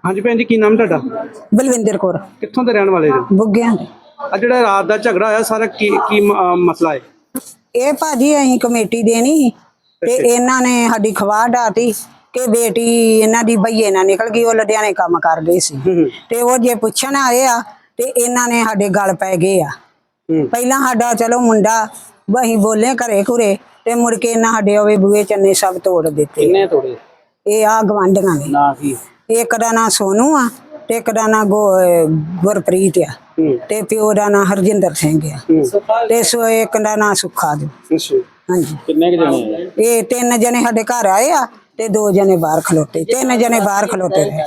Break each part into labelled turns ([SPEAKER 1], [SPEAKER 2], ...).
[SPEAKER 1] ਹਾਂਜੀ ਭੈਣ ਜੀ, ਕੀ ਨਾਮ ਤੁਹਾਡਾ?
[SPEAKER 2] ਬਲਵਿੰਦਰ ਕੌਰ।
[SPEAKER 1] ਕਿੱਥੋਂ ਦੇ ਰਹਿਣ ਵਾਲੇ ਜੀ?
[SPEAKER 2] ਬੁੱਗਿਆਂ ਦੇ।
[SPEAKER 1] ਆ ਜਿਹੜਾ ਰਾਤ ਦਾ ਝਗੜਾ ਹੋਇਆ ਸਾਰਾ ਕੀ ਮਸਲਾ ਹੈ?
[SPEAKER 2] ਇਹ ਭਾਜੀ ਅਸੀਂ ਕਮੇਟੀ ਦੇਣੀ ਸੀ ਤੇ ਇਹਨਾਂ ਨੇ ਸਾਡੀ ਖਵਾ ਢਾਤੀ ਕਿ ਬੇਟੀ ਇਹਨਾਂ ਦੀ ਬਈਏ ਨਾਲ ਨਿਕਲ ਗਈ। ਉਹ ਲੁਧਿਆਣੇ ਕੰਮ ਕਰ ਗਈ ਸੀ ਤੇ ਉਹ ਜੇ ਪੁੱਛਣ ਆਏ ਆ ਤੇ ਇਹਨਾਂ ਨੇ ਸਾਡੇ ਗਲ ਪੈ ਗਏ ਆ। ਪਹਿਲਾਂ ਸਾਡਾ ਚਲੋ ਮੁੰਡਾ ਅਸੀਂ ਬੋਲੇ ਘਰੇ ਘੁਰੇ ਤੇ ਮੁੜ ਕੇ ਇਹਨਾਂ ਸਾਡੇ ਉਹ ਬੂਹੇ ਚੰਨੇ ਸਭ ਤੋੜ ਦਿੱਤੇ।
[SPEAKER 1] ਕਿੰਨੇ ਤੋੜੇ? ਇਹ
[SPEAKER 2] ਆ ਗਵਾਂਢੀਆਂ ਨੇ।
[SPEAKER 1] ਨਾ ਕੀ?
[SPEAKER 2] ਇੱਕ ਦਾ ਨਾਂ ਸੋਨੂ ਆ ਤੇ ਇੱਕ ਦਾ ਨਾਂ ਗੁਰਪ੍ਰੀਤ ਆ ਤੇ ਪਿਓ ਦਾ ਨਾਂ ਹਰਜਿੰਦਰ ਸਿੰਘ ਆ ਤੇ ਇੱਕ ਦਾ ਨਾਂ ਸੁੱਖਾ ਜੀ। ਹਾਂਜੀ।
[SPEAKER 1] ਕਿੰਨੇ ਜਣੇ?
[SPEAKER 2] ਇਹ 3 ਜਣੇ ਸਾਡੇ ਘਰ ਆਏ ਆ ਤੇ 2 ਜਣੇ ਬਾਹਰ ਖਲੋਤੇ। 3 ਜਣੇ ਬਾਹਰ ਖਲੋਤੇ ਰਹੇ।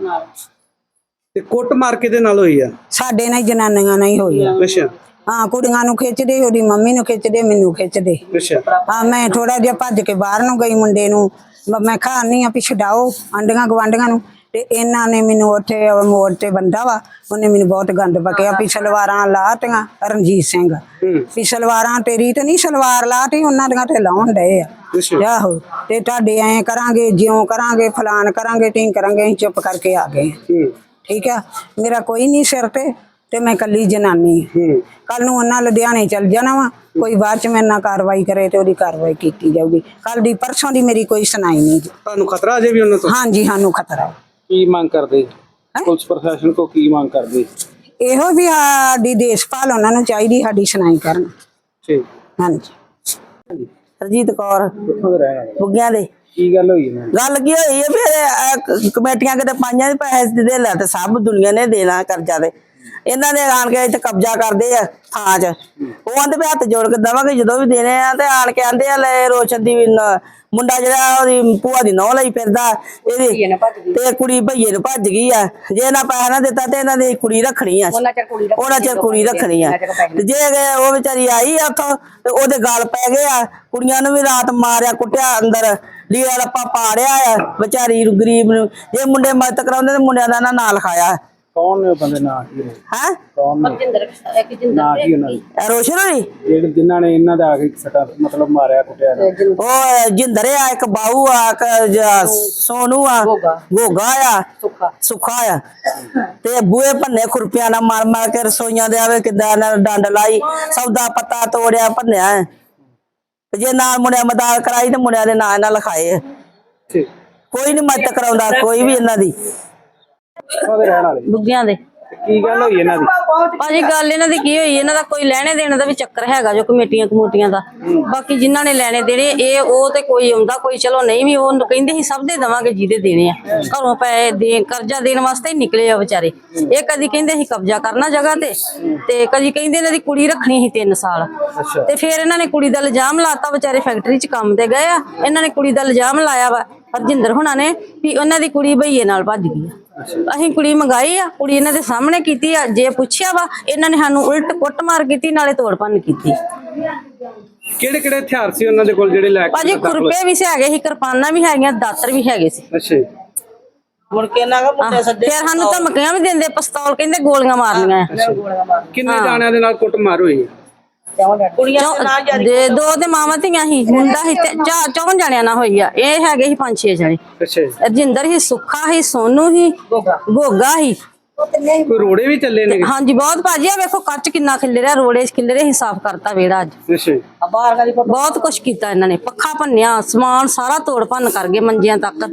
[SPEAKER 1] ਤੇ ਕੁੱਟ ਮਾਰ ਕੇ ਦੇ ਨਾਲ ਹੋਈ ਆ?
[SPEAKER 2] ਸਾਡੇ ਨਾਲ ਜਨਾਨੀਆਂ ਨਾਲ ਹੀ ਹੋਈ ਆ।
[SPEAKER 1] ਅੱਛਾ।
[SPEAKER 2] ਹਾਂ, ਕੁੜੀਆਂ ਨੂੰ ਖਿੱਚਦੇ, ਉਹਦੀ ਮੰਮੀ ਨੂੰ ਖਿੱਚਦੇ, ਮੈਨੂੰ ਖਿੱਚਦੇ।
[SPEAKER 1] ਅੱਛਾ।
[SPEAKER 2] ਹਾਂ, ਮੈਂ ਥੋੜਾ ਜਿਹਾ ਭੱਜ ਕੇ ਬਾਹਰ ਨੂੰ ਗਈ। ਮੁੰਡੇ ਨੂੰ ਮੈਂ ਖਾਣੀ ਆ ਵੀ ਛਡਾਓ ਆਂਡੀਆਂ ਗਵਾਂਢੀਆਂ ਨੂੰ ਤੇ ਇਹਨਾਂ ਨੇ ਮੈਨੂੰ ਉੱਥੇ ਮੋੜ ਤੇ ਬੰਦਾ ਵਾ, ਉਹਨੇ ਮੈਨੂੰ ਬਹੁਤ ਗੰਦ ਬਕਿਆ ਵੀ ਸਲਵਾਰਾਂ ਲਾਤੀਆਂ। ਰਣਜੀਤ ਸਿੰਘ ਵੀ ਸਲਵਾਰਾਂ ਤੇਰੀ ਤੇ ਨਹੀਂ, ਸਲਵਾਰ ਲਾਤੀ ਉਹਨਾਂ ਦੀਆਂ ਤੇ ਲਾਉਣ ਡਏ ਆ। ਆਹੋ, ਤੇ ਤੁਹਾਡੇ ਐਂ ਕਰਾਂਗੇ, ਜਿਉਂ ਕਰਾਂਗੇ, ਫਲਾਨ ਕਰਾਂਗੇ, ਢੀਂਗ ਕਰਾਂਗੇ। ਅਸੀਂ ਚੁੱਪ ਕਰਕੇ ਆ ਗਏ। ਠੀਕ ਆ, ਮੇਰਾ ਕੋਈ ਨਹੀਂ ਸਿਰ ਤੇ ਮੈਂ ਕੱਲੀ ਜਨਾਨੀ। ਕੱਲ ਨੂੰ ਉਹਨਾਂ ਲੁਧਿਆਣੇ ਚੱਲ ਜਾਣਾ ਵਾ, ਕੋਈ ਬਾਅਦ ਚ ਮੇਰੇ ਨਾਲ ਕਾਰਵਾਈ ਕਰੇ ਤੇ ਉਹਦੀ ਕਾਰਵਾਈ ਕੀਤੀ ਜਾਊਗੀ। ਕੱਲ ਦੀ ਪਰਸੋਂ ਦੀ ਮੇਰੀ ਕੋਈ ਸੁਣਾਈ ਨਹੀਂ।
[SPEAKER 1] ਤੁਹਾਨੂੰ ਖਤਰਾ ਅਜੇ ਵੀ ਉਹਨਾਂ ਤੋਂ?
[SPEAKER 2] ਹਾਂਜੀ, ਸਾਨੂੰ ਖਤਰਾ।
[SPEAKER 1] ਕੀ ਮੰਗ ਕਰਦੇ ਪੁਲਿਸ ਪ੍ਰਸ਼ਾਸਨ ਕੋ? ਕੀ ਮੰਗ ਕਰਦੇ? ਇਹੋ
[SPEAKER 2] ਵੀ ਸਾਡੀ ਦੇਸ਼ਪਾਲ ਉਹਨਾਂ ਨੂੰ ਚਾਹੀਦੀ, ਸਾਡੀ ਸੁਣਾਈ ਕਰਨ।
[SPEAKER 1] ਠੀਕ।
[SPEAKER 2] ਹਾਂਜੀ।
[SPEAKER 3] ਹਰਜੀਤ ਕੌਰ, ਬੁੱਗਿਆਂ ਦੇ।
[SPEAKER 1] ਕੀ ਗੱਲ ਹੋਈ?
[SPEAKER 3] ਗੱਲ ਕੀ ਹੋਈ ਹੈ ਵੀ ਕਮੇਟੀਆਂ ਕਿਤੇ ਪਾਈਆਂ ਦੇ ਪੈਸੇ ਦੇ ਲੈ ਤੇ ਸਭ ਦੁਨੀਆ ਨੇ ਦੇਣਾ ਕਰਜ਼ਾ ਤੇ ਇਹਨਾਂ ਨੇ ਆਣ ਕੇ ਇੱਥੇ ਕਬਜ਼ਾ ਕਰਦੇ ਆ ਥਾਂ 'ਚ। ਉਹ ਆਂਦੇ ਵੀ ਹੱਥ ਜੋੜ ਕੇ ਦੇਵਾਂਗੇ ਜਦੋਂ ਵੀ ਦੇਣੇ ਆ। ਤੇ ਆਣ ਕੇ ਆਂਦੇ ਆ ਲੈ ਰੋਸ਼ਨ ਦੀ ਮੁੰਡਾ ਜਿਹੜਾ ਉਹਦੀ ਭੂਆ ਦੀ ਨਹੁੰ ਲਈ ਫਿਰਦਾ ਇਹਦੀ ਤੇ ਕੁੜੀ ਭਈਏ ਨੂੰ ਭੱਜ ਗਈ ਆ। ਜੇ ਇਹਨਾਂ ਪੈਸਾ ਨਾ ਦਿੱਤਾ ਤੇ ਇਹਨਾਂ ਦੀ ਕੁੜੀ ਰੱਖਣੀ ਆ, ਉਹਨਾਂ ਚਿਰ ਕੁੜੀ ਰੱਖਣੀ ਆ। ਤੇ ਜੇ ਉਹ ਵਿਚਾਰੀ ਆਈ ਆ ਉੱਥੋਂ ਤੇ ਉਹਦੇ ਗਲ ਪੈ ਗਏ ਆ। ਕੁੜੀਆਂ ਨੂੰ ਵੀ ਰਾਤ ਮਾਰਿਆ ਕੁੱਟਿਆ, ਅੰਦਰ ਲੀੜਾ ਲੱਪਾ ਪਾੜਿਆ ਆ ਵਿਚਾਰੀ ਗਰੀਬ ਨੂੰ। ਜੇ ਮੁੰਡੇ ਮਦਦ ਕਰਾਉਂਦੇ ਤੇ ਮੁੰਡਿਆਂ ਦਾ ਨਾਂ ਲਿਖਾਇਆ।
[SPEAKER 1] ਕੌਣ ਨੇ ਉਹ ਬੰਦੇ? ਨਾਂ ਕੀ ਨੇ?
[SPEAKER 3] ਹੈ
[SPEAKER 1] ਕੌਣ ਨੇ? ਨਾਂ ਕੀ ਉਹਨਾਂ ਦੀ?
[SPEAKER 3] ਰੋਸ਼ਨ ਹੋਣੀ
[SPEAKER 1] ਜਿਹੜੇ ਜਿਨ੍ਹਾਂ ਨੇ ਇਹਨਾਂ ਦਾ ਆ ਕੇ ਸਟਾ ਮਤਲਬ ਮਾਰਿਆ ਕੁੱਟਿਆ?
[SPEAKER 3] ਉਹ ਜਿੰਦਰ ਆ, ਇੱਕ ਬਾਹੂ ਆ, ਇੱਕ ਸੋਨੂ ਆ, ਗੋਗਾ ਆ, ਸੁੱਖਾ ਆ। ਤੇ ਬੂਹੇ ਭੰਨੇ ਖੁਰਪਿਆਂ ਨਾਲ ਮਾਰ ਮਾਰ ਕੇ ਰਸੋਈਆਂ ਦੇ ਆਵੇ ਕਿੱਦਾਂ ਡੰਡ ਲਾਈ, ਸੌਦਾ ਪੱਤਾ ਤੋੜਿਆ ਭੰਨਿਆ। ਜੇ ਨਾਲ ਮੁੰਡਿਆਂ ਮਦਦ ਕਰਾਈ ਤੇ ਮੁੰਡਿਆਂ ਦੇ ਨਾਂ ਨਾਲ ਲਿਖਾਏ। ਕੋਈ ਨੀ ਮਦਦ ਕਰਾਉਂਦਾ ਕੋਈ ਵੀ ਇਹਨਾਂ ਦੀ।
[SPEAKER 4] ਬੁੱਗਿਆਂ ਦੇ।
[SPEAKER 1] ਕੀ ਗੱਲ ਹੋਈ ਇਹਨਾਂ ਦੀ?
[SPEAKER 4] ਭਾਜੀ ਗੱਲ ਇਹਨਾਂ ਦੀ ਕੀ ਹੋਈ, ਇਹਨਾਂ ਦਾ ਕੋਈ ਲੈਣੇ ਦੇਣੇ ਦਾ ਵੀ ਚੱਕਰ ਹੈਗਾ ਜੋ ਕਮੇਟੀਆਂ ਦਾ। ਬਾਕੀ ਜਿਨ੍ਹਾਂ ਨੇ ਲੈਣੇ ਦੇਣੇ ਇਹ ਉਹ ਤੇ ਕੋਈ ਆਉਂਦਾ, ਕੋਈ ਚਲੋ ਨਹੀਂ ਵੀ। ਉਹ ਕਹਿੰਦੇ ਸੀ ਸਭ ਦੇ ਦੇਵਾਂਗੇ ਜਿਹਦੇ ਦੇਣੇ ਆ। ਘਰੋਂ ਪੈਸੇ ਦੇ ਕਰਜ਼ਾ ਦੇਣ ਵਾਸਤੇ ਹੀ ਨਿਕਲੇ ਆ ਵਿਚਾਰੇ। ਇਹ ਕਦੀ ਕਹਿੰਦੇ ਸੀ ਕਬਜ਼ਾ ਕਰਨਾ ਜਗ੍ਹਾ ਤੇ ਕਦੀ ਕਹਿੰਦੇ ਇਹਨਾਂ ਦੀ ਕੁੜੀ ਰੱਖਣੀ ਸੀ 3 ਸਾਲ। ਤੇ ਫਿਰ ਇਹਨਾਂ ਨੇ ਕੁੜੀ ਦਾ ਇਲਜ਼ਾਮ ਲਾਤਾ। ਵਿਚਾਰੇ ਫੈਕਟਰੀ 'ਚ ਕੰਮ ਤੇ ਗਏ ਆ, ਇਹਨਾਂ ਨੇ ਕੁੜੀ ਦਾ ਇਲਜ਼ਾਮ ਲਾਇਆ ਵਾ ਹਰਜਿੰਦਰ ਹੁਣਾਂ ਨੇ ਵੀ ਉਹਨਾਂ ਦੀ ਕੁੜੀ ਭਈਏ ਨਾਲ ਭੱਜ ਗਈ ਆ। ਅਸੀਂ ਕੁੜੀ ਮੰਗਾਈ ਆ, ਕੁੜੀ ਇਹਨਾਂ ਦੇ ਸਾਹਮਣੇ ਕੀਤੀ ਆ। ਜੇ ਪੁੱਛਿਆ ਵਾ ਇਹਨਾਂ ਨੇ ਸਾਨੂੰ ਉਲਟ ਕੁੱਟਮਾਰ ਕੀਤੀ, ਨਾਲੇ ਤੋੜ ਭੰਨ ਕੀਤੀ।
[SPEAKER 1] ਕਿਹੜੇ ਕਿਹੜੇ ਹਥਿਆਰ ਸੀ ਉਹਨਾਂ ਦੇ ਕੋਲ ਜਿਹੜੇ ਲੈ ਕੇ?
[SPEAKER 4] ਭਾਜੀ ਖੁਰਪੇ ਵੀ ਹੈਗੇ ਸੀ, ਕਿਰਪਾਨਾਂ ਵੀ ਹੈਗੀਆਂ, ਦਾਤਰ ਵੀ ਹੈਗੇ ਸੀ।
[SPEAKER 1] ਅੱਛਾ।
[SPEAKER 3] ਮੁੜ ਕੇ ਇਹਨਾਂ ਦਾ ਮੁੰਡੇ ਸੱਦੇ,
[SPEAKER 4] ਫਿਰ ਸਾਨੂੰ ਧਮਕੀਆਂ ਵੀ ਦਿੰਦੇ, ਪਿਸਤੌਲ ਕਹਿੰਦੇ ਗੋਲੀਆਂ ਮਾਰਨੀਆਂ।
[SPEAKER 1] ਕਿੰਨੇ ਜਾਣਿਆਂ ਦੇ ਨਾਲ ਕੁੱਟਮਾਰ ਹੋਈ?
[SPEAKER 3] ਕੁੜੀਆਂ
[SPEAKER 4] ਦੇ 2 ਤੇ ਮਾਵਾਂ ਧੀਆਂ ਸੀ, ਮੁੰਡਾ ਸੀ ਤੇ 4 ਜਣਿਆਂ ਨਾਲ ਹੋਈ ਆ। ਇਹ ਹੈਗੇ ਸੀ 5-6 ਜਣੇ।
[SPEAKER 1] ਅੱਛਾ।
[SPEAKER 4] ਰਜਿੰਦਰ ਸੀ, ਸੁੱਖਾ ਸੀ, ਸੋਨੂ ਸੀ, ਗੋਗਾ ਸੀ।
[SPEAKER 1] ਕੋਈ ਰੋੜੇ ਵੀ ਚੱਲੇ ਨੇ?
[SPEAKER 4] ਹਾਂਜੀ ਬਹੁਤ ਭਾਜੀ। ਆ ਵੇਖੋ ਕੱਚ ਕਿੰਨਾ ਖਿਲ ਰਿਹਾ, ਰੋੜੇ ਖਿਲ ਰਹੇ ਸੀ, ਸਾਫ਼ ਕਰਤਾ ਵਿਹੜਾ ਅੱਜ।
[SPEAKER 1] ਅੱਛਾ।
[SPEAKER 4] ਬਹੁਤ ਕੁਛ ਕੀਤਾ ਇਹਨਾਂ ਨੇ, ਪੱਖਾ ਭੰਨਿਆ, ਸਮਾਨ ਸਾਰਾ ਤੋੜ ਭੰਨ ਕਰ ਗਏ, ਮੰਜਿਆਂ ਤੱਕ।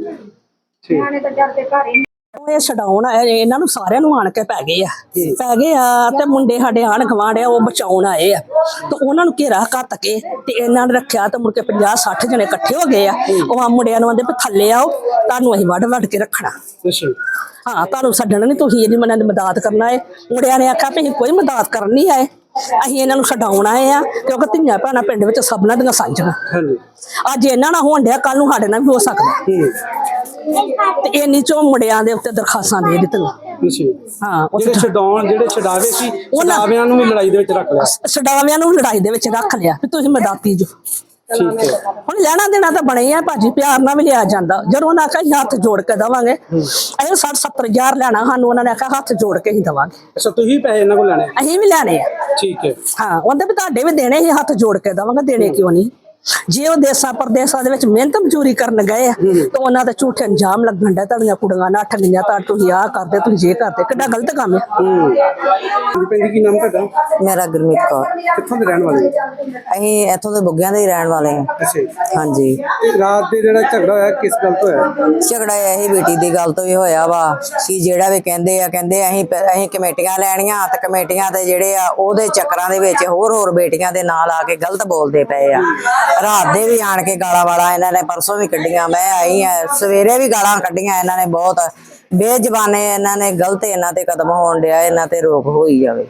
[SPEAKER 5] ਇਹ ਛਡਾਉਣ ਆਏ ਇਹਨਾਂ ਨੂੰ, ਸਾਰਿਆਂ ਨੂੰ ਆਣ ਕੇ ਪੈ ਗਏ ਆ ਤੇ ਮੁੰਡੇ ਸਾਡੇ ਆਣ ਗਵਾਂਢ ਆ, ਉਹ ਬਚਾਉਣ ਆਏ ਆ ਤੇ ਉਹਨਾਂ ਨੂੰ ਘੇਰਾ ਘੱਤ ਕੇ ਤੇ ਇਹਨਾਂ ਨੇ ਰੱਖਿਆ ਤੇ ਮੁੜ ਕੇ 50-60 ਜਣੇ ਇਕੱਠੇ ਹੋ ਗਏ ਆ। ਉਹ ਆ ਮੁੰਡਿਆਂ ਨੂੰ ਆਂਦੇ ਵੀ ਥੱਲੇ ਆਓ, ਤੁਹਾਨੂੰ ਅਸੀਂ ਵੱਢ ਕੇ ਰੱਖਣਾ। ਹਾਂ, ਤੁਹਾਨੂੰ ਛੱਡਣਾ ਨਹੀਂ, ਤੁਸੀਂ ਇਹਦੀ ਮਨਾਂ ਦੀ ਮਦਦ ਕਰਨਾ ਹੈ। ਮੁੰਡਿਆਂ ਨੇ ਆਖਿਆ ਵੀ ਅਸੀਂ ਕੋਈ ਮਦਦ ਕਰਨ ਨਹੀਂ ਆਏ, ਅਸੀਂ ਇਹਨਾਂ ਨੂੰ ਛਡਾਉਣ ਆਏ ਆ ਕਿਉਂਕਿ ਧੀਆਂ ਭੈਣਾਂ ਪਿੰਡ ਵਿੱਚ ਸਭਨਾਂ ਦੀਆਂ ਸਾਂਝੀਆਂ। ਅੱਜ ਇਹਨਾਂ ਨਾਲ ਹੋਣ ਡਿਆ, ਕੱਲ ਨੂੰ ਸਾਡੇ ਨਾਲ ਵੀ ਹੋ ਸਕਦਾ। ਤੇ ਇੰਨੀ ਚੋਂ ਮੁੰਡਿਆਂ ਦੇ ਉੱਤੇ ਦਰਖਾਸਤਾਂ ਦੇ ਦਿੱਤੀਆਂ। ਹਾਂ,
[SPEAKER 1] ਜਿਹੜੇ ਛਡਾਵੇ ਸੀ ਛਡਾਵਿਆਂ ਨੂੰ ਵੀ ਲੜਾਈ ਦੇ ਵਿੱਚ ਰੱਖ ਲਿਆ।
[SPEAKER 5] ਛਡਾਵਿਆਂ ਨੂੰ ਲੜਾਈ ਦੇ ਵਿੱਚ ਰੱਖ ਲਿਆ ਵੀ ਤੁਸੀਂ ਮਦਦਾਤੀ ਜੋ। ਹੁਣ ਲੈਣਾ ਦੇਣਾ ਤਾਂ ਬਣੇ ਆ ਭਾਜੀ, ਪਿਆਰ ਨਾਲ ਵੀ ਲਿਆ ਜਾਂਦਾ। ਜਦੋਂ ਉਹਨਾਂ ਆਖਿਆ ਹੱਥ ਜੋੜ ਕੇ ਦੇਵਾਂਗੇ, ਅਸੀਂ 60-70 ਹਜ਼ਾਰ ਲੈਣਾ, ਸਾਨੂੰ ਉਹਨਾਂ ਨੇ ਆਖਿਆ ਹੱਥ ਜੋੜ ਕੇ ਹੀ ਦੇਵਾਂਗੇ।
[SPEAKER 1] ਅੱਛਾ, ਤੁਸੀਂ ਪੈਸੇ ਇਹਨਾਂ ਕੋਲ ਲੈਣੇ?
[SPEAKER 5] ਅਸੀਂ ਵੀ ਲੈਣੇ ਆ।
[SPEAKER 1] ਠੀਕ ਹੈ।
[SPEAKER 5] ਹਾਂ, ਉਹਦੇ ਵੀ ਤੁਹਾਡੇ ਵੀ ਦੇਣੇ ਹੀ, ਹੱਥ ਜੋੜ ਕੇ ਦੇਵਾਂਗੇ, ਦੇਣੇ ਕਿਉਂ ਨਹੀਂ। ਜੇ ਉਹ ਦੇਸਾਂ ਪਰਦੇਸਾਂ ਦੇ ਵਿੱਚ ਮਿਹਨਤ ਮਜ਼ਦੂਰੀ ਕਰਨ ਗਏ ਆ ਤਾਂ ਉਹਨਾਂ ਤੇ ਝੂਠੇ ਅੰਜਾਮ ਲੱਗਣ ਦਾ ਤੁਹਾਡੀਆਂ ਕੁੜੀਆਂ ਨੱਠ ਗਈਆਂ ਤਾਂ ਤੁਸੀਂ ਆਹ ਕਰਦੇ ਤੁਸੀਂ ਇਹ ਕਰਦੇ, ਕਿੱਡਾ ਗਲਤ ਕੰਮ ਹੈ।
[SPEAKER 1] ਭੈਣ ਜੀ ਕੀ ਨਾਮ ਤੁਹਾਡਾ?
[SPEAKER 3] ਮੇਰਾ ਗੁਰਮੀਤ ਕੌਰ।
[SPEAKER 1] ਕਿੱਥੋਂ ਦੇ ਰਹਿਣ ਵਾਲੇ?
[SPEAKER 3] ਅਸੀਂ ਇੱਥੋਂ ਦੇ ਬੁੱਗਿਆਂ ਦੇ ਹੀ ਰਹਿਣ ਵਾਲੇ ਹਾਂ।
[SPEAKER 1] ਅੱਛਾ ਜੀ।
[SPEAKER 3] ਹਾਂਜੀ।
[SPEAKER 1] ਤੇ ਰਾਤ ਦੇ ਜਿਹੜਾ ਝਗੜਾ ਹੋਇਆ ਕਿਸ ਗੱਲ ਤੋਂ ਹੋਇਆ?
[SPEAKER 3] ਝਗੜਾ ਇਹੀ ਬੇਟੀ ਦੀ ਗੱਲ ਤੋਂ ਹੀ ਹੋਇਆ ਵਾ ਕਿ ਜਿਹੜਾ ਵੀ ਕਹਿੰਦੇ ਅਸੀਂ ਕਮੇਟੀਆਂ ਲੈਣੀਆਂ ਤੇ ਕਮੇਟੀਆਂ ਤੇ ਜਿਹੜੇ ਆ ਉਹਦੇ ਚੱਕਰਾਂ ਦੇ ਵਿੱਚ ਹੋਰ ਬੇਟੀਆਂ ਦੇ ਨਾਲ ਆ ਕੇ ਗਲਤ ਬੋਲਦੇ ਪਏ ਆ। ਰਾਤ ਦੇ ਵੀ ਆਣ ਕੇ ਗਾਲਾਂ ਵਾਲਾ ਇਹਨਾਂ ਨੇ ਪਰਸੋਂ ਵੀ ਕੱਢੀਆਂ, ਮੈਂ ਆਈ ਆ ਸਵੇਰੇ ਵੀ ਗਾਲਾਂ ਕੱਢੀਆਂ ਇਹਨਾਂ ਨੇ। ਬਹੁਤ ਬੇਜ਼ਬਾਨੇ ਇਹਨਾਂ ਨੇ, ਗਲਤ ਇਹਨਾਂ ਤੇ ਕਦਮ ਹੋਣ ਡਿਆ, ਇਹਨਾਂ ਤੇ ਰੋਕ ਹੋਈ ਜਾਵੇ।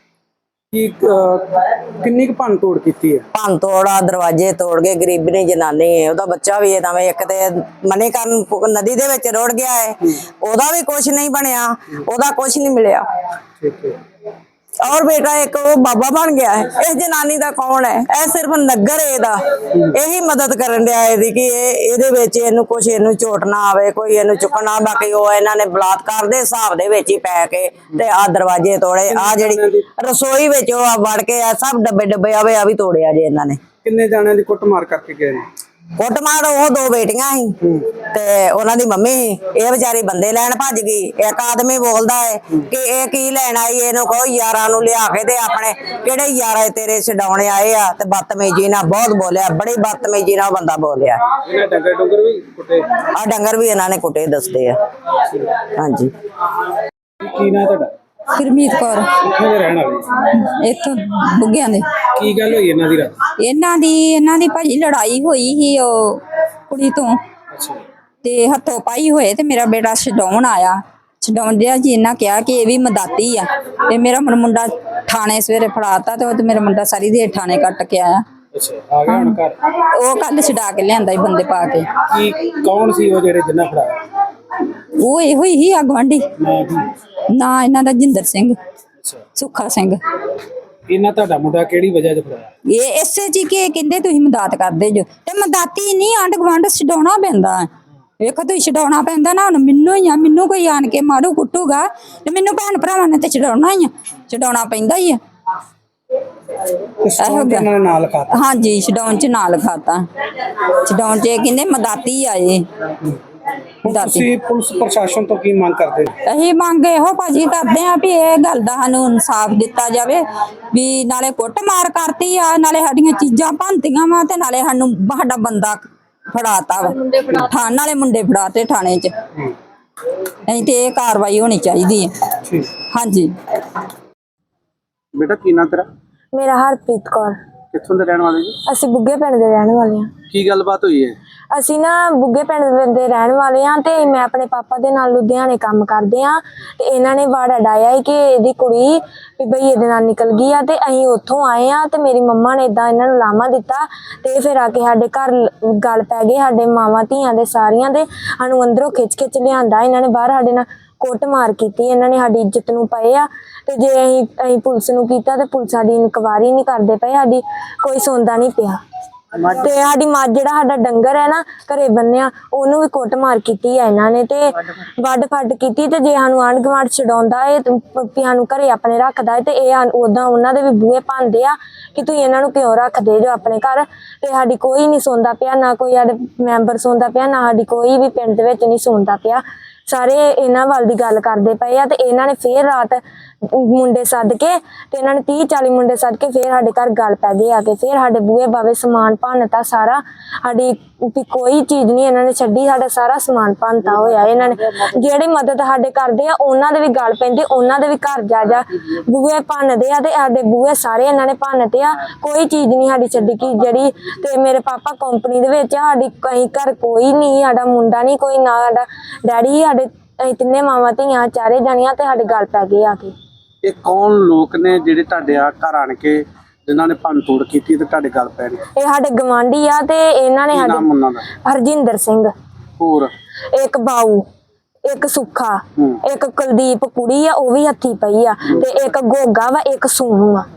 [SPEAKER 1] ਕੀ ਕਿੰਨੀ ਕੁ ਭੰਨ ਤੋੜ ਕੀਤੀ ਹੈ?
[SPEAKER 3] ਭੰਨ ਤੋੜਾ, ਦਰਵਾਜ਼ੇ ਤੋੜ ਗਏ, ਗਰੀਬਣੀ ਜਨਾਨੀ ਹੈ, ਉਹਦਾ ਬੱਚਾ ਵੀ ਹੈ ਇੱਕ ਤੇ ਮਨੀਕਰਨ ਨਦੀ ਦੇ ਵਿੱਚ ਰੁੜ ਗਿਆ ਹੈ, ਉਹਦਾ ਵੀ ਕੁਝ ਨਹੀਂ ਬਣਿਆ, ਉਹਦਾ ਕੁਝ ਨਹੀਂ ਮਿਲਿਆ।
[SPEAKER 1] ਠੀਕ ਹੈ।
[SPEAKER 3] ਔਰ ਬੇਟਾ ਇੱਕ ਉਹ ਬਾਬਾ ਬਣ ਗਿਆ ਹੈ। ਇਸ ਜਨਾਨੀ ਦਾ ਕੌਣ ਹੈ? ਇਹ ਸਿਰਫ ਨਗਰ ਇਹਦਾ ਇਹੀ ਮਦਦ ਕਰਨ ਡਿਆ ਇਹਦੀ ਕਿ ਇਹਦੇ ਵਿੱਚ ਇਹਨੂੰ ਕੁਝ ਇਹਨੂੰ ਝੋਟ ਨਾ ਆਵੇ, ਕੋਈ ਇਹਨੂੰ ਚੁੱਕਣਾ। ਬਾਕੀ ਉਹ ਇਹਨਾਂ ਨੇ ਬਲਾਤਕਾਰ ਦੇ ਹਿਸਾਬ ਦੇ ਵਿੱਚ ਹੀ ਪੈ ਕੇ ਤੇ ਆ ਦਰਵਾਜ਼ੇ ਤੋੜੇ, ਆ ਜਿਹੜੀ ਰਸੋਈ ਵਿੱਚ ਉਹ ਵੜ ਕੇ ਆ ਸਭ ਡੱਬੇ ਆਵੇ ਆ ਵੀ ਤੋੜਿਆ ਜੇ ਇਹਨਾਂ ਨੇ।
[SPEAKER 1] ਕਿੰਨੇ ਜਾਣਿਆਂ ਦੀ ਕੁੱਟਮਾਰ ਕਰਕੇ ਗਏ ਨੇ?
[SPEAKER 3] ਕੁੱਟਮਾਰ ਉਹ 2 ਬੇਟੀਆਂ ਸੀ ਤੇ ਉਹਨਾਂ ਦੀ ਮੰਮੀ ਸੀ। ਇਹ ਵਿਚਾਰੀ ਬੰਦੇ ਲੈਣ ਭੱਜ ਗਈ। ਇੱਕ ਆਦਮੀ ਬੋਲਦਾ ਹੈ ਕਿ ਇਹ ਕੀ ਲੈਣ ਆਈ, ਇਹਨੂੰ ਕਹੋ ਯਾਰਾਂ ਨੂੰ ਲਿਆ ਕੇ ਤੇ ਆਪਣੇ ਕਿਹੜੇ ਯਾਰ ਤੇਰੇ ਛਡਾਉਣੇ ਆਏ ਆ। ਤੇ ਬਦਤਮੀਜੀ ਨਾਲ ਬਹੁਤ ਬੋਲਿਆ, ਬੜੀ ਬਦਤਮੀਜੀ ਨਾਲ ਬੰਦਾ ਬੋਲਿਆ।
[SPEAKER 1] ਇਹਨਾਂ ਡੰਗਰ ਵੀ ਕੁੱਟੇ?
[SPEAKER 3] ਆ ਡੰਗਰ ਵੀ ਇਹਨਾਂ ਨੇ ਕੁੱਟੇ ਦੱਸਦੇ ਆ। ਹਾਂਜੀ।
[SPEAKER 1] ਕੀ ਨਾਂ ਤੁਹਾਡਾ?
[SPEAKER 6] ਗੁਰਮੀਤ ਕੌਰ।
[SPEAKER 1] ਕਿੱਥੋਂ ਦੇ ਰਹਿਣ ਵਾਲੇ?
[SPEAKER 6] ਇੱਥੋਂ ਬੁੱਗਿਆਂ ਦੇ।
[SPEAKER 1] ਕੀ ਗੱਲ ਹੋਈ ਇਹਨਾਂ ਦੀ ਰਾਤ?
[SPEAKER 6] ਇਹਨਾਂ ਦੀ ਭਾਜੀ ਲੜਾਈ ਹੋਈ ਸੀ ਉਹ ਕੁੜੀ ਤੋਂ,
[SPEAKER 1] ਅੱਛਾ।
[SPEAKER 6] ਤੇ ਹੱਥੋਂ ਪਾਈ ਹੋਏ ਤੇ ਮੇਰਾ ਬੇਟਾ ਛਡਾਉਣ ਆਇਆ। ਛਡਾਉਣ ਦਿਆ ਜੀ ਇਹਨਾਂ ਕਿਹਾ ਕਿ ਇਹ ਵੀ ਮਦਾਤੀ ਆ, ਤੇ ਮੇਰਾ ਮੁੰਡਾ ਥਾਣੇ ਸਵੇਰੇ ਫੜਾਤਾ ਤੇ ਉਹ ਤੇ ਮੇਰਾ ਮੁੰਡਾ ਸਾਰੀ ਦੇਰ ਥਾਣੇ ਕੱਟ ਕੇ ਆਇਆ।
[SPEAKER 1] ਅੱਛਾ, ਆ ਗਿਆ ਹੁਣ ਘਰ?
[SPEAKER 6] ਉਹ ਕੱਲ ਛਡਾ ਕੇ ਲਿਆਂਦਾ ਸੀ ਬੰਦੇ ਪਾ ਕੇ।
[SPEAKER 1] ਕੀ ਕੌਣ ਸੀ ਉਹ ਜਿਹੜੇ ਜਿੰਨਾ ਫੜਾਇਆ?
[SPEAKER 6] ਉਹ ਇਹੋ ਹੀ ਆ ਗੁਆਂਢੀ। ਨਾ ਇਹਨਾਂ ਦਾ ਜਿੰਦਰ ਸਿੰਘ, ਸੁੱਖਾ ਸਿੰਘ।
[SPEAKER 1] ਇਹਨਾਂ ਤੁਹਾਡਾ ਮੁੰਡਾ ਕਿਹੜੀ ਵਜ੍ਹਾ ਤੇ ਫੜਾਇਆ?
[SPEAKER 6] ਇਹ ਇਸੇ ਜੀ ਕਿ ਕਹਿੰਦੇ ਤੁਸੀਂ ਮਦਦ ਕਰਦੇ ਜੋ, ਤੇ ਮਦਦਾਤੀ ਨਹੀਂ ਆਂਢ ਗੁਆਂਢ ਛਡਾਉਣਾ ਪੈਂਦਾ। ਵੇਖੋ ਤੁਸੀਂ ਛਡਾਉਣਾ ਪੈਂਦਾ ਨਾ, ਹੁਣ ਮੈਨੂੰ ਹੀ ਆ, ਮੈਨੂੰ ਕੋਈ ਆਣ ਕੇ ਮਾਰੂ ਕੁੱਟੂਗਾ ਤੇ ਮੈਨੂੰ ਭੈਣ ਭਰਾਵਾਂ ਨੇ ਤੇ ਛਡਾਉਣਾ ਹੀ ਆ, ਛਡਾਉਣਾ ਪੈਂਦਾ ਹੀ ਆ।
[SPEAKER 1] ਨਾਲ ਖਾਤਾ?
[SPEAKER 6] ਹਾਂਜੀ, ਛਡਾਉਣ ਚ ਨਾਲ ਖਾਤਾ। ਛਡਾਉਣ ਚ ਇਹ ਕਹਿੰਦੇ ਮਦਦਾਤੀ ਆਏ।
[SPEAKER 1] ਤੁਸੀਂ ਪੁਲਿਸ ਪ੍ਰਸ਼ਾਸਨ ਤੋਂ ਕੀ ਮੰਗ ਕਰਦੇ?
[SPEAKER 6] ਅਸੀਂ ਮੰਗ ਇਹੋ ਭਾਜੀ ਕਰਦੇ ਆ ਵੀ ਇਹ ਗੱਲ ਦਾ ਸਾਨੂੰ ਇਨਸਾਫ ਦਿੱਤਾ ਜਾਵੇ, ਵੀ ਨਾਲੇ ਕੁੱਟ ਮਾਰ ਕਰਤੀ ਆ, ਨਾਲੇ ਸਾਡੀਆਂ ਚੀਜ਼ਾਂ ਭੰਨਤੀਆਂ ਵਾ, ਤੇ ਨਾਲੇ ਸਾਨੂੰ ਸਾਡਾ ਬੰਦਾ ਫੜਾਤਾ ਵਾ। ਥਾਣੇ ਨਾਲੇ ਮੁੰਡੇ ਫੜਾਤੇ ਥਾਣੇ ਚ। ਨਹੀਂ ਤੇ ਇਹ ਕਾਰਵਾਈ ਹੋਣੀ ਚਾਹੀਦੀ ਹੈ। ਹਾਂਜੀ।
[SPEAKER 1] ਬੇਟਾ ਕੀ ਨਾਂ ਤੇਰਾ?
[SPEAKER 7] ਮੇਰਾ ਹਰਪ੍ਰੀਤ ਕੌਰ।
[SPEAKER 1] ਕਿੱਥੋਂ ਦੇ ਰਹਿਣ ਵਾਲੇ ਜੀ?
[SPEAKER 7] ਅਸੀਂ ਬੁੱਗੇ ਪਿੰਡ ਦੇ ਰਹਿਣ ਵਾਲੇ ਹਾਂ।
[SPEAKER 1] ਕੀ ਗੱਲਬਾਤ ਹੋਈ ਹੈ?
[SPEAKER 7] ਅਸੀਂ ਨਾ ਬੁੱਗੇ ਪਿੰਡ ਦੇ ਰਹਿਣ ਵਾਲੇ ਹਾਂ ਤੇ ਮੈਂ ਆਪਣੇ ਪਾਪਾ ਦੇ ਨਾਲ ਲੁਧਿਆਣੇ ਕੰਮ ਕਰਦੇ ਹਾਂ। ਤੇ ਇਹਨਾਂ ਨੇ ਵਾੜਾ ਡਾਇਆ ਕਿ ਇਹਦੀ ਕੁੜੀ ਵੀ ਬਈ ਇਹਦੇ ਨਾਲ ਨਿਕਲ ਗਈ ਆ, ਤੇ ਅਸੀਂ ਉੱਥੋਂ ਆਏ ਆ ਤੇ ਮੇਰੀ ਮੰਮਾ ਨੇ ਇਦਾਂ ਇਹਨਾਂ ਨੂੰ ਲਾਮਾ ਦਿੱਤਾ ਤੇ ਫਿਰ ਆ ਕੇ ਸਾਡੇ ਘਰ ਗੱਲ ਪੈ ਗਈ, ਸਾਡੇ ਮਾਵਾਂ ਧੀਆਂ ਦੇ ਸਾਰੀਆਂ ਦੇ। ਸਾਨੂੰ ਅੰਦਰੋਂ ਖਿੱਚ ਲਿਆਂਦਾ ਇਹਨਾਂ ਨੇ ਬਾਹਰ, ਸਾਡੇ ਨਾਲ ਕੁੱਟ ਮਾਰ ਕੀਤੀ ਇਹਨਾਂ ਨੇ, ਸਾਡੀ ਇੱਜ਼ਤ ਨੂੰ ਪਏ ਆ। ਤੇ ਜੇ ਅਸੀਂ ਪੁਲਿਸ ਨੂੰ ਕੀਤਾ ਤੇ ਪੁਲਿਸ ਸਾਡੀ ਇਨਕੁਆਇਰੀ ਨਹੀਂ ਕਰਦੇ ਪਏ, ਸਾਡੀ ਕੋਈ ਸੁਣਦਾ ਨਹੀਂ ਪਿਆ। ਤੇ ਸਾਡੀ ਮੱਝ ਜਿਹੜਾ ਸਾਡਾ ਡੰਗਰ ਹੈ ਨਾ ਘਰੇ ਬੰਨਿਆ, ਉਹਨੂੰ ਵੀ ਕੁੱਟ ਮਾਰ ਕੀਤੀ ਆ ਇਹਨਾਂ ਨੇ, ਤੇ ਵੱਢ ਫੱਡ ਕੀਤੀ। ਤੇ ਜੇ ਸਾਨੂੰ ਆਂਢ ਗੁਆਂਢ ਛਡਾਉਂਦਾ ਏ ਵੀ ਸਾਨੂੰ ਘਰੇ ਆਪਣੇ ਰੱਖਦਾ ਏ, ਤੇ ਇਹ ਉਦਾਂ ਉਹਨਾਂ ਦੇ ਵੀ ਬੂਹੇ ਭੰਨਦੇ ਆ ਕਿ ਤੁਸੀਂ ਇਹਨਾਂ ਨੂੰ ਕਿਉਂ ਰੱਖਦੇ ਜੋ ਆਪਣੇ ਘਰ। ਤੇ ਸਾਡੀ ਕੋਈ ਨਹੀਂ ਸੁਣਦਾ ਪਿਆ, ਨਾ ਕੋਈ ਸਾਡੇ ਮੈਂਬਰ ਸੁਣਦਾ ਪਿਆ, ਨਾ ਸਾਡੀ ਕੋਈ ਵੀ ਪਿੰਡ ਦੇ ਵਿੱਚ ਨਹੀਂ ਸੁਣਦਾ ਪਿਆ। ਸਾਰੇ ਇਹਨਾਂ ਵੱਲ ਦੀ ਗੱਲ ਕਰਦੇ ਪਏ ਆ। ਤੇ ਇਹਨਾਂ ਨੇ ਫੇਰ ਰਾਤ ਮੁੰਡੇ ਸੱਦ ਕੇ ਤੇ ਇਹਨਾਂ ਨੇ 30-40 ਮੁੰਡੇ ਸੱਦ ਕੇ ਫੇਰ ਸਾਡੇ ਘਰ ਗੱਲ ਪੈ ਗਈ ਆ ਕੇ, ਫੇਰ ਸਾਡੇ ਬੂਹੇ ਬਾਵੇ ਸਮਾਨ ਭੰਨਤਾ ਸਾਰਾ। ਸਾਡੀ ਕੋਈ ਚੀਜ਼ ਨਹੀਂ ਇਹਨਾਂ ਨੇ ਛੱਡੀ, ਸਾਡਾ ਸਾਰਾ ਸਮਾਨ ਭੰਨਤਾ ਹੋਇਆ ਇਹਨਾਂ ਨੇ। ਜਿਹੜੀ ਮਦਦ ਸਾਡੇ ਕਰਦੇ ਆ ਉਹਨਾਂ ਦੇ ਵੀ ਗੱਲ ਪੈਂਦੇ, ਉਹਨਾਂ ਦੇ ਵੀ ਘਰ ਜਾ ਬੂਹੇ ਭੰਨਦੇ ਆ, ਤੇ ਸਾਡੇ ਬੂਹੇ ਸਾਰੇ ਇਹਨਾਂ ਨੇ ਭੰਨਤੇ ਆ। ਕੋਈ ਚੀਜ਼ ਨਹੀਂ ਸਾਡੀ ਛੱਡੀ ਕਿ ਜਿਹੜੀ। ਤੇ ਮੇਰੇ ਪਾਪਾ ਕੰਪਨੀ ਦੇ ਵਿੱਚ ਆ, ਸਾਡੀ ਕहीं ਘਰ ਕੋਈ ਨਹੀਂ, ਸਾਡਾ ਮੁੰਡਾ ਨਹੀਂ ਕੋਈ, ਨਾ ਸਾਡਾ ਡੈਡੀ। ਸਾਡੇ ਅਸੀਂ ਤਿੰਨੇ ਮਾਵਾਂ ਧੀਆਂ ਚਾਰੇ ਜਾਣੀਆਂ ਤੇ ਸਾਡੇ ਗੱਲ ਪੈ ਗਈ ਆ ਕੇ।
[SPEAKER 1] ਇਹ ਕੌਣ ਲੋਕ ਨੇ ਜਿਹੜੇ ਤੁਹਾਡੇ ਆ ਘਰ ਆਣ ਕੇ ਜਿਨ੍ਹਾਂ ਨੇ ਭੰਨ ਤੋੜ ਕੀਤੀ ਤੇ ਤੁਹਾਡੇ ਗੱਲ ਪੈ ਗਈ?
[SPEAKER 7] ਇਹ ਸਾਡੇ ਗਵਾਂਢੀ ਆ ਤੇ ਇਹਨਾਂ ਨੇ
[SPEAKER 1] ਨਾਮ
[SPEAKER 7] ਸਾਡੇ
[SPEAKER 1] ਉਹਨਾਂ ਦਾ?
[SPEAKER 7] ਹਰਜਿੰਦਰ ਸਿੰਘ,
[SPEAKER 1] ਹੋਰ
[SPEAKER 7] ਇੱਕ ਬਾਊ, ਇੱਕ ਸੁੱਖਾ, ਇੱਕ ਕੁਲਦੀਪ ਕੁੜੀ ਆ ਉਹ ਵੀ ਹੱਥੀ ਪਈ ਆ, ਤੇ ਇੱਕ ਗੋਗਾ ਵਾ, ਇੱਕ ਸੋਨੂ ਆ,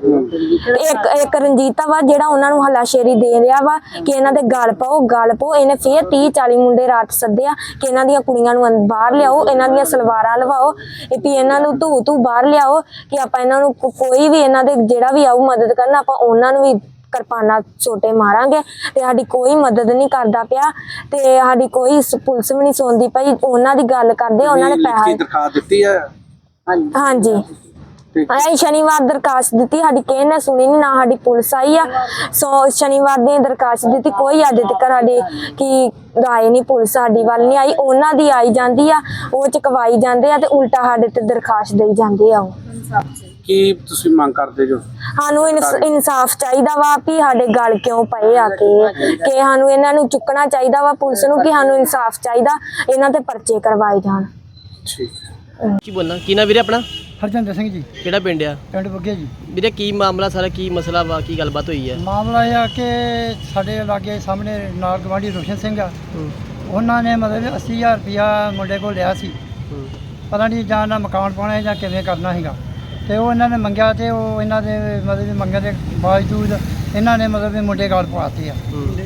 [SPEAKER 7] ਇੱਕ ਰਣਜੀਤਾ ਵਾ ਜਿਹੜਾ ਉਹਨਾਂ ਨੂੰ ਹਲਾਸ਼ੇਰੀ ਦੇ ਰਿਹਾ ਵਾ ਕਿ ਇਹਨਾਂ ਦੇ ਗਲ ਪਾਓ। ਇਹਨੇ ਫੇਰ 30-40 ਮੁੰਡੇ ਰਾਤ ਸੱਦਿਆ ਕਿ ਇਹਨਾਂ ਦੀਆਂ ਕੁੜੀਆਂ ਨੂੰ ਬਾਹਰ ਲਿਆਓ, ਇਹਨਾਂ ਦੀਆਂ ਸਲਵਾਰਾਂ ਲਵਾਓ, ਵੀ ਇਹਨਾਂ ਨੂੰ ਧੂ ਬਾਹਰ ਲਿਆਓ ਕਿ ਆਪਾਂ ਇਹਨਾਂ ਨੂੰ ਕੋਈ ਵੀ ਇਹਨਾਂ ਦੇ ਜਿਹੜਾ ਵੀ ਆਊ ਮਦਦ ਕਰਨ ਆਪਾਂ ਉਹਨਾਂ ਨੂੰ ਵੀ ਕਿਰਪਾਨਾਂ ਛੋਟੇ ਮਾਰਾਂਗੇ ਤੇ ਸਾਡੀ ਕੋਈ ਮਦਦ ਨਹੀਂ ਕਰਦਾ ਪਿਆ ਤੇ ਸਾਡੀ ਕੋਈ ਪੁਲਿਸ ਵੀ ਨਹੀਂ ਸੁਣਦੀ ਪਈ। ਉਹਨਾਂ ਦੀ ਗੱਲ ਕਰਦੇ ਉਹਨਾਂ ਨੇ
[SPEAKER 1] ਲਿਖਤੀ
[SPEAKER 7] ਪੈਸਾ
[SPEAKER 1] ਦਰਖਾਸਤ ਦਿੱਤੀ ਹੈ?
[SPEAKER 7] ਹਾਂਜੀ ਅਸੀਂ ਸ਼ਨੀਵਾਰ ਦਰਖਾਸਤ ਦਿੱਤੀ, ਸਾਡੀ ਕਿਸੇ ਨੇ ਸੁਣੀ ਨਹੀਂ, ਨਾ ਸਾਡੀ ਪੁਲਿਸ ਆਈ ਆ। ਸੋ ਸ਼ਨੀਵਾਰ ਦੀ ਦਰਖਾਸਤ ਦਿੱਤੀ, ਕੋਈ ਅੱਜ ਤੱਕ ਸਾਡੀ ਕੀ ਰਾਏ ਨਹੀਂ, ਪੁਲਿਸ ਸਾਡੀ ਵੱਲ ਨਹੀਂ ਆਈ। ਉਹਨਾਂ ਦੀ ਆਈ ਜਾਂਦੀ ਆ, ਉਹ ਚਕਵਾਈ ਜਾਂਦੇ ਆ ਤੇ ਉਲਟਾ ਸਾਡੇ ਤੇ ਦਰਖਾਸਤ ਦੇਈ ਜਾਂਦੇ ਆ। ਉਹ
[SPEAKER 1] ਕੀ ਤੁਸੀਂ ਮੰਗ ਕਰਦੇ ਜੋ?
[SPEAKER 7] ਸਾਨੂੰ ਇਨਸਾਫ ਚਾਹੀਦਾ ਵਾ ਵੀ ਸਾਡੇ ਗਲ ਕਿਉਂ ਪਏ ਆ ਕਿ ਸਾਨੂੰ ਇਹਨਾਂ ਨੂੰ ਚੁੱਕਣਾ ਚਾਹੀਦਾ ਵਾ ਪੁਲਿਸ ਨੂੰ, ਕਿ ਸਾਨੂੰ ਇਨਸਾਫ ਚਾਹੀਦਾ, ਇਹਨਾਂ ਤੇ ਪਰਚੇ ਕਰਵਾਏ ਜਾਣ।
[SPEAKER 1] ਠੀਕ
[SPEAKER 8] ਕੀ ਬੋਲਣਾ ਕੀ ਨਾ ਵੀਰੇ ਆਪਣਾ?
[SPEAKER 9] ਹਰਜਿੰਦਰ ਸਿੰਘ ਜੀ,
[SPEAKER 8] ਕਿਹੜਾ ਪਿੰਡ ਆ?
[SPEAKER 9] ਪਿੰਡ ਬੁੱਗੇ ਜੀ।
[SPEAKER 8] ਵੀਰੇ ਕੀ ਮਾਮਲਾ ਸਾਰਾ, ਕੀ ਮਸਲਾ ਵਾ, ਕੀ ਗੱਲਬਾਤ ਹੋਈ ਹੈ?
[SPEAKER 9] ਮਾਮਲਾ ਇਹ ਆ ਕਿ ਸਾਡੇ ਲਾਗੇ ਸਾਹਮਣੇ ਨਾਲ ਗਵਾਂਢੀ ਰੋਸ਼ਨ ਸਿੰਘ ਆ, ਉਹਨਾਂ ਨੇ ਮਤਲਬ 80,000 ਰੁਪਇਆ ਮੁੰਡੇ ਕੋਲ ਲਿਆ ਸੀ। ਪਤਾ ਨਹੀਂ ਜਾਂ ਨਾ ਮਕਾਨ ਪਾਉਣਾ ਜਾਂ ਕਿਵੇਂ ਕਰਨਾ ਸੀਗਾ, ਤੇ ਉਹ ਇਹਨਾਂ ਨੇ ਮੰਗਿਆ ਤੇ ਉਹ ਇਹਨਾਂ ਦੇ ਮਤਲਬ ਮੰਗਣ ਦੇ ਬਾਵਜੂਦ ਇਹਨਾਂ ਨੇ ਮਤਲਬ ਮੁੰਡੇ ਗਾਲ ਪਵਾਤੇ ਆ।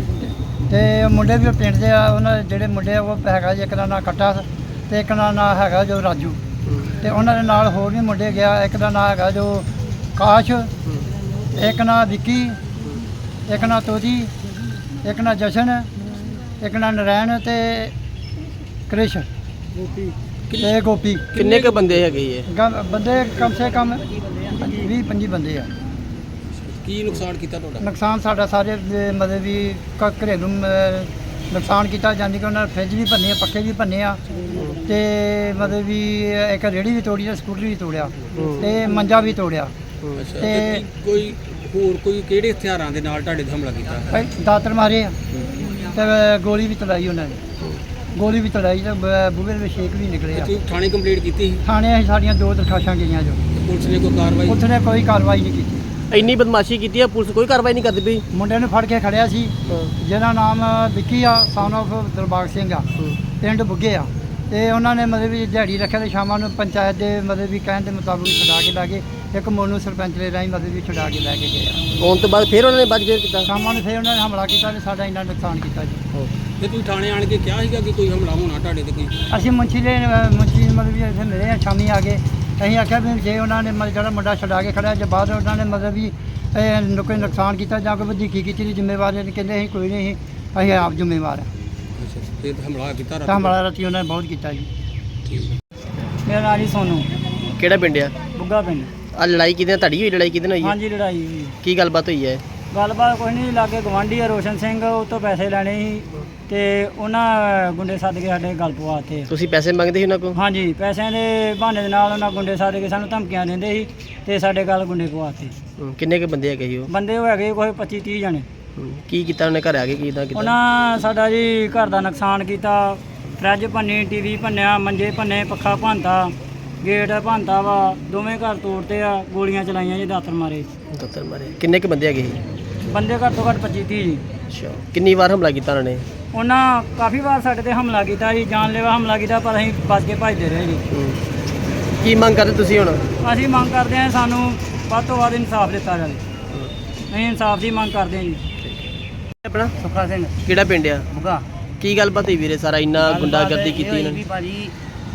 [SPEAKER 9] ਤੇ ਮੁੰਡੇ ਵੀ ਪਿੰਡ ਦੇ ਆ, ਉਹਨਾਂ ਦੇ ਜਿਹੜੇ ਮੁੰਡੇ ਆ ਉਹ ਹੈਗਾ ਜੀ, ਇੱਕ ਦਾ ਨਾਂ ਕੱਟਾ ਤੇ ਇੱਕ ਦਾ ਨਾਂ ਹੈਗਾ ਜੋ ਰਾਜੂ, ਤੇ ਉਹਨਾਂ ਦੇ ਨਾਲ ਹੋਰ ਵੀ ਮੁੰਡੇ ਗਿਆ। ਇੱਕ ਦਾ ਨਾਂ ਹੈਗਾ ਜੋ ਕਾਸ਼, ਇੱਕ ਨਾਂ ਵਿੱਕੀ, ਇੱਕ ਨਾਂ ਤੋਜੀ, ਇੱਕ ਨਾਂ ਜਸ਼ਨ, ਇੱਕ ਨਾਂ ਨਰੈਣ ਤੇ ਕ੍ਰਿਸ਼ ਤੇ ਗੋਪੀ।
[SPEAKER 8] ਕਿੰਨੇ ਕ ਬੰਦੇ ਹੈਗੇ ਇਹ?
[SPEAKER 9] ਬੰਦੇ ਕਮ ਸੇ ਕਮ 20-25 ਬੰਦੇ ਆ।
[SPEAKER 8] ਕੀ ਨੁਕਸਾਨ ਕੀਤਾ ਤੁਹਾਡਾ?
[SPEAKER 9] ਨੁਕਸਾਨ ਸਾਡਾ ਸਾਰੇ ਮਤਲਬ ਵੀ ਘਰੇਲੂ ਨੁਕਸਾਨ ਕੀਤਾ, ਜਾਂਦੀ ਕਿ ਉਹਨਾਂ ਨੇ ਫਰਿੱਜ ਵੀ ਭੰਨੇ ਆ, ਪੱਖੇ ਵੀ ਭੰਨੇ ਆ, ਤੇ ਮਤਲਬ ਵੀ ਇੱਕ ਰੇਹੜੀ ਵੀ ਤੋੜੀ ਆ, ਸਕੂਟਰ ਵੀ ਤੋੜਿਆ ਤੇ ਮੰਜਾ ਵੀ ਤੋੜਿਆ। ਤੇ
[SPEAKER 10] ਕੋਈ ਹੋਰ ਕੋਈ ਕਿਹੜੇ ਹਥਿਆਰਾਂ ਦੇ ਨਾਲ ਤੁਹਾਡੇ ਤੇ ਹਮਲਾ ਕੀਤਾ?
[SPEAKER 9] ਦਾਤਰ ਮਾਰੇ ਆ ਤੇ ਗੋਲੀ ਵੀ ਚਲਾਈ ਉਹਨਾਂ ਨੇ, ਗੋਲੀ ਵੀ ਚਲਾਈ ਤੇ ਬੂਹੇ ਦੇ ਛੇਕ ਵੀ ਨਿਕਲੇ ਆ।
[SPEAKER 10] ਤੁਸੀਂ ਥਾਣੇ ਕੰਪਲੇਂਟ ਕੀਤੀ ਸੀ?
[SPEAKER 9] ਥਾਣੇ ਅਸੀਂ ਸਾਡੀਆਂ 2 ਦਰਖਾਸ਼ਾਂ ਗਈਆਂ ਜੋ,
[SPEAKER 10] ਪੁਲਿਸ ਨੇ ਕੋਈ ਕਾਰਵਾਈ?
[SPEAKER 9] ਉੱਥੇ ਨੇ ਕੋਈ ਕਾਰਵਾਈ ਨਹੀਂ ਕੀਤੀ।
[SPEAKER 8] ਇੰਨੀ ਬਦਮਾਸ਼ੀ ਕੀਤੀ ਹੈ, ਪੁਲਿਸ ਕੋਈ ਕਾਰਵਾਈ ਨਹੀਂ ਕਰਦੀ ਪਈ?
[SPEAKER 9] ਮੁੰਡੇ ਨੂੰ ਫੜ ਕੇ ਖੜਿਆ ਸੀ ਜਿਹਦਾ ਨਾਮ ਵਿੱਕੀ ਆ, ਸਨ ਆਫ ਦਿਲਬਾਗ ਸਿੰਘ ਆ, ਪਿੰਡ ਬੁੱਗੇ ਆ, ਤੇ ਉਹਨਾਂ ਨੇ ਮਤਲਬ ਵੀ ਦਿਹਾੜੀ ਰੱਖਿਆ ਤੇ ਸ਼ਾਮਾਂ ਨੂੰ ਪੰਚਾਇਤ ਦੇ ਮਤਲਬ ਵੀ ਕਹਿਣ ਦੇ ਮੁਤਾਬਕ ਛੁਡਾ ਕੇ ਲੈ ਗਏ। ਇੱਕ ਮੋਨੂ ਸਰਪੰਚ ਦੇ ਰਾਹੀਂ ਮਤਲਬ ਵੀ ਛੁਡਾ ਕੇ ਲੈ ਕੇ ਗਏ ਆ।
[SPEAKER 8] ਆਉਣ ਤੋਂ ਬਾਅਦ ਫਿਰ ਉਹਨਾਂ ਨੇ ਬਾਅਦ ਫੇਰ ਕੀਤਾ?
[SPEAKER 9] ਸ਼ਾਮਾਂ ਨੂੰ ਫਿਰ ਉਹਨਾਂ ਨੇ ਹਮਲਾ ਕੀਤਾ ਤੇ ਸਾਡਾ ਇੰਨਾ ਨੁਕਸਾਨ ਕੀਤਾ ਜੀ।
[SPEAKER 10] ਤੇ ਤੁਸੀਂ ਥਾਣੇ ਆਣ ਕੇ ਕਿਹਾ ਸੀਗਾ ਕਿ ਕੋਈ ਹਮਲਾ ਹੋਣਾ ਤੁਹਾਡੇ ਤੇ ਕੋਈ?
[SPEAKER 9] ਅਸੀਂ ਮੁੰਸ਼ੀ ਮਤਲਬ ਵੀ ਇੱਥੇ ਮਿਲੇ ਆ, ਸ਼ਾਮੀ ਆ ਗਏ। ਅਸੀਂ ਆਖਿਆ ਵੀ ਜੇ ਉਹਨਾਂ ਨੇ ਮਤਲਬ ਜਿਹੜਾ ਮੁੰਡਾ ਛੁਡਾ ਕੇ ਖੜਿਆ, ਜੇ ਬਾਅਦ ਉਹਨਾਂ ਨੇ ਮਤਲਬ ਵੀ ਕੋਈ ਨੁਕਸਾਨ ਕੀਤਾ ਜਾਂ ਕੋਈ ਵਧੀਕੀ ਕੀਤੀ ਦੀ ਜ਼ਿੰਮੇਵਾਰੀ ਨੇ, ਕਹਿੰਦੇ ਅਸੀਂ ਕੋਈ ਨਹੀਂ, ਅਸੀਂ ਆਪ ਜ਼ਿੰਮੇਵਾਰ ਹਾਂ।
[SPEAKER 10] ਅੱਛਾ, ਤੇ ਹਮਲਾ ਕੀਤਾ
[SPEAKER 9] ਤਾਂ ਹਮਲਾ ਰਾਤੀ ਉਹਨਾਂ ਨੇ ਬਹੁਤ ਕੀਤਾ ਜੀ। ਮੇਰਾ ਨਾਂ ਜੀ ਸੋਨੂ,
[SPEAKER 8] ਕਿਹੜਾ ਪਿੰਡ ਆ?
[SPEAKER 9] ਬੁੱਗਾ ਪਿੰਡ।
[SPEAKER 8] ਆ ਲੜਾਈ ਕਿਹਦੇ ਨਾਲ, ਤੁਹਾਡੀ ਹੋਈ ਲੜਾਈ ਕਿਹਦੇ ਨਾਲ ਹੋਈ ਹੈ?
[SPEAKER 9] ਹਾਂਜੀ ਲੜਾਈ ਹੋਈ।
[SPEAKER 8] ਕੀ ਗੱਲਬਾਤ ਹੋਈ ਹੈ?
[SPEAKER 9] ਗੱਲਬਾਤ ਕੋਈ ਨਹੀਂ, ਲਾਗੇ ਗਵਾਂਢੀ ਆ ਰੋਸ਼ਨ ਸਿੰਘ, ਉਹ ਤੋਂ ਪੈਸੇ ਲੈਣੇ ਸੀ ਤੇ ਉਹਨਾਂ ਗੁੰਡੇ ਸੱਦ ਕੇ ਸਾਡੇ ਗੱਲ ਪਵਾਤੇ।
[SPEAKER 8] ਤੁਸੀਂ ਪੈਸੇ ਮੰਗਦੇ ਸੀ ਉਹਨਾਂ ਕੋਲ?
[SPEAKER 9] ਹਾਂਜੀ, ਪੈਸਿਆਂ ਦੇ ਬਹਾਨੇ ਦੇ ਨਾਲ ਉਹਨਾਂ ਗੁੰਡੇ ਸੱਦ ਕੇ ਸਾਨੂੰ ਧਮਕੀਆਂ ਦਿੰਦੇ ਸੀ ਤੇ ਸਾਡੇ ਗੱਲ ਗੁੰਡੇ ਪਵਾਤੇ।
[SPEAKER 8] ਕਿੰਨੇ ਕ ਬੰਦੇ ਹੈਗੇ ਸੀ ਉਹ?
[SPEAKER 9] ਬੰਦੇ ਉਹ ਹੈਗੇ ਕੋਈ 25-30 ਜਣੇ।
[SPEAKER 8] ਕੀ ਕੀਤਾ ਉਹਨੇ, ਘਰ ਆ ਕੇ ਕੀਤਾ?
[SPEAKER 9] ਉਹਨਾਂ ਸਾਡਾ ਜੀ ਘਰ ਦਾ ਨੁਕਸਾਨ ਕੀਤਾ, ਫਰਿੱਜ ਭੰਨੀ, ਟੀਵੀ ਭੰਨਿਆ, ਮੰਜੇ ਭੰਨੇ, ਪੱਖਾ ਭੰਨਤਾ, ਗੇਟ ਭੰਨਤਾ ਵਾ, ਦੋਵੇਂ ਘਰ ਤੋੜਤੇ ਆ, ਗੋਲੀਆਂ ਚਲਾਈਆਂ ਜੀ, ਦਾਤਰ ਮਾਰੇ।
[SPEAKER 8] ਦਾਤਰ ਮਾਰੇ? ਕਿੰਨੇ ਕ ਬੰਦੇ ਹੈਗੇ ਸੀ?
[SPEAKER 9] ਬੰਦੇ ਘੱਟ ਤੋਂ ਘੱਟ 25-30 ਜੀ।
[SPEAKER 8] ਅੱਛਾ, ਕਿੰਨੀ ਵਾਰ ਹਮਲਾ ਕੀਤਾ ਉਹਨਾਂ ਨੇ?
[SPEAKER 9] ਉਹਨਾਂ ਕਾਫੀ ਵਾਰ ਸਾਡੇ ਤੇ ਹਮਲਾ ਕੀਤਾ ਜੀ, ਜਾਨਲੇਵਾ ਹਮਲਾ ਕੀਤਾ, ਪਰ ਅਸੀਂ ਬਚ ਕੇ ਭੱਜਦੇ ਰਹੇ ਜੀ।
[SPEAKER 8] ਕੀ ਮੰਗ ਕਰਦੇ ਤੁਸੀਂ ਹੁਣ?
[SPEAKER 9] ਅਸੀਂ ਮੰਗ ਕਰਦੇ ਹਾਂ ਸਾਨੂੰ ਵੱਧ ਤੋਂ ਵੱਧ ਇਨਸਾਫ ਦਿੱਤਾ ਜਾਵੇ। ਅਸੀਂ ਇਨਸਾਫ ਦੀ ਮੰਗ ਕਰਦੇ ਹਾਂ ਜੀ।
[SPEAKER 8] ਆਪਣਾ?
[SPEAKER 9] ਸੁੱਖਾ ਸਿੰਘ,
[SPEAKER 8] ਕਿਹੜਾ ਪਿੰਡ ਆ?
[SPEAKER 9] ਬੁੱਗਾ।
[SPEAKER 8] ਕੀ ਗੱਲਬਾਤ ਹੋਈ ਵੀਰੇ, ਸਾਰਾ ਇੰਨਾ ਗੁੰਡਾਗਰਦੀ ਕੀਤੀ ਇਹਨਾਂ ਨੇ?
[SPEAKER 11] ਭਾਜੀ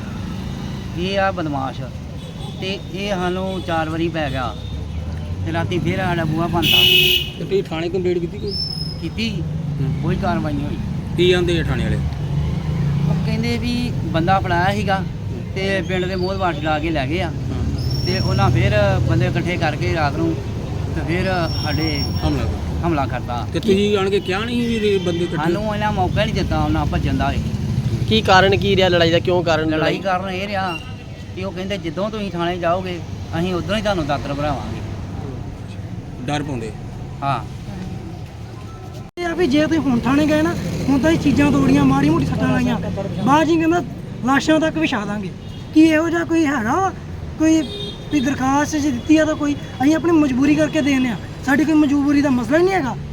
[SPEAKER 11] ਇਹ ਆ ਬਦਮਾਸ਼, ਤੇ ਇਹ ਸਾਨੂੰ 4 ਵਾਰੀ ਪੈ ਗਿਆ ਤੇ ਰਾਤੀ ਫਿਰ ਸਾਡਾ ਬੂਹਾ ਭੰਨਤਾ।
[SPEAKER 10] ਤੇ ਤੁਸੀਂ ਥਾਣੇ ਕੰਪਲੇਂਟ ਕੀਤੀ ਕੋਈ?
[SPEAKER 11] ਕੀਤੀ, ਕੋਈ ਕਾਰਵਾਈ ਨਹੀਂ ਹੋਈ।
[SPEAKER 10] ਕੀ ਆਂਦੇ ਆ ਥਾਣੇ ਵਾਲੇ?
[SPEAKER 11] ਉਹ ਕਹਿੰਦੇ ਵੀ ਬੰਦਾ ਫੜਾਇਆ ਸੀਗਾ ਤੇ ਪਿੰਡ ਦੇ ਮੋਹਦਵਾਰ ਲਾ ਕੇ ਲੈ ਗਏ ਆ, ਤੇ ਉਹਨਾਂ ਫਿਰ ਬੰਦੇ ਇਕੱਠੇ ਕਰਕੇ ਰਾਤ ਨੂੰ ਤੇ ਫਿਰ ਸਾਡੇ ਹਮਲਾ ਕਰਤਾ।
[SPEAKER 10] ਤੇ ਤੁਸੀਂ ਆਣ ਕੇ ਕਿਹਾ ਨਹੀਂ ਵੀ ਬੰਦੇ ਇਕੱਠੇ?
[SPEAKER 11] ਸਾਨੂੰ ਇਹਨਾਂ ਮੌਕਾ ਨਹੀਂ ਦਿੱਤਾ ਉਹਨਾਂ ਭੱਜਣ ਦਾ।
[SPEAKER 8] ਕੀ ਕਾਰਨ ਕੀ ਰਿਹਾ ਲੜਾਈ ਦਾ, ਕਿਉਂ ਕਾਰਨ?
[SPEAKER 11] ਲੜਾਈ ਕਾਰਨ ਇਹ ਰਿਹਾ ਕਿ ਉਹ ਕਹਿੰਦੇ ਜਦੋਂ ਤੁਸੀਂ ਥਾਣੇ ਜਾਓਗੇ ਅਸੀਂ ਉਦੋਂ ਹੀ ਤੁਹਾਨੂੰ ਦਾਤਰ ਭਰਾਵਾਂਗੇ।
[SPEAKER 10] ਡਰ ਪਾਉਂਦੇ?
[SPEAKER 11] ਹਾਂ।
[SPEAKER 9] ਇਹ ਆ ਵੀ ਜੇ ਤੁਸੀਂ ਹੁਣ ਥਾਣੇ ਗਏ ਨਾ, ਹੁਣ ਤਾਂ ਇਹ ਚੀਜ਼ਾਂ ਤੋੜੀਆਂ, ਮਾੜੀ ਮੋਟੀ ਸੱਟਾਂ ਲਾਈਆਂ, ਬਾਅਦ ਜੀ ਕਹਿੰਦਾ ਲਾਸ਼ਾਂ ਤੱਕ ਵਿਛਾ ਦਾਂਗੇ। ਕੀ ਇਹੋ ਜਿਹਾ ਕੋਈ ਹੈਗਾ ਵਾ ਕੋਈ ਵੀ ਦਰਖਾਸਤ ਜੇ ਦਿੱਤੀ ਆ ਤਾਂ ਕੋਈ ਅਸੀਂ ਆਪਣੀ ਮਜਬੂਰੀ ਕਰਕੇ ਦੇਣੇ ਆ? ਸਾਡੀ ਕੋਈ ਮਜਬੂਰੀ ਦਾ ਮਸਲਾ ਹੀ ਨਹੀਂ ਹੈਗਾ।